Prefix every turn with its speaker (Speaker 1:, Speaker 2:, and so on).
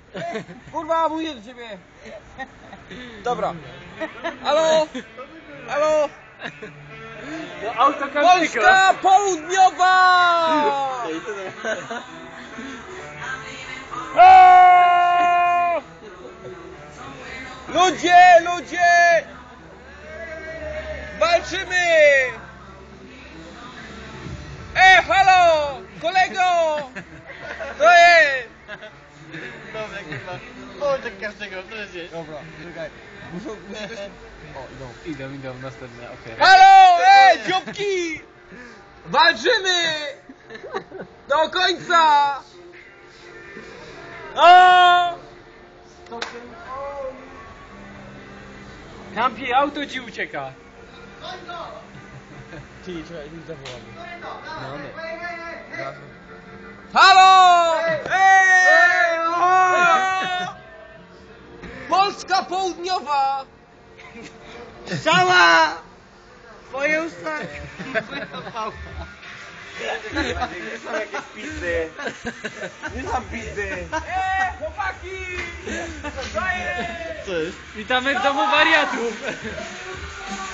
Speaker 1: Kurwa, mówię do ciebie. Dobra. Halo? Halo? Polska Południowa! O! Ludzie, ludzie! Walczymy! Halo! Kolego! To jest!
Speaker 2: Dobra, kurwa. Połączek każdego, proszę cię.
Speaker 1: Dobra, czekaj. Muszą... O,
Speaker 2: Idą, następne, okej.
Speaker 1: halo! Dzióbki! Walczymy! Do końca! O!
Speaker 2: Kampi, auto ci ucieka.
Speaker 1: Ty, czekaj, mi zawołamy. Halo! Polska Południowa!
Speaker 2: Strzała! Twoje usta!
Speaker 3: Nie są jakieś pizdy. Nie są pizdy.
Speaker 1: Chłopaki!
Speaker 2: Co jest? Witamy w domu wariatów!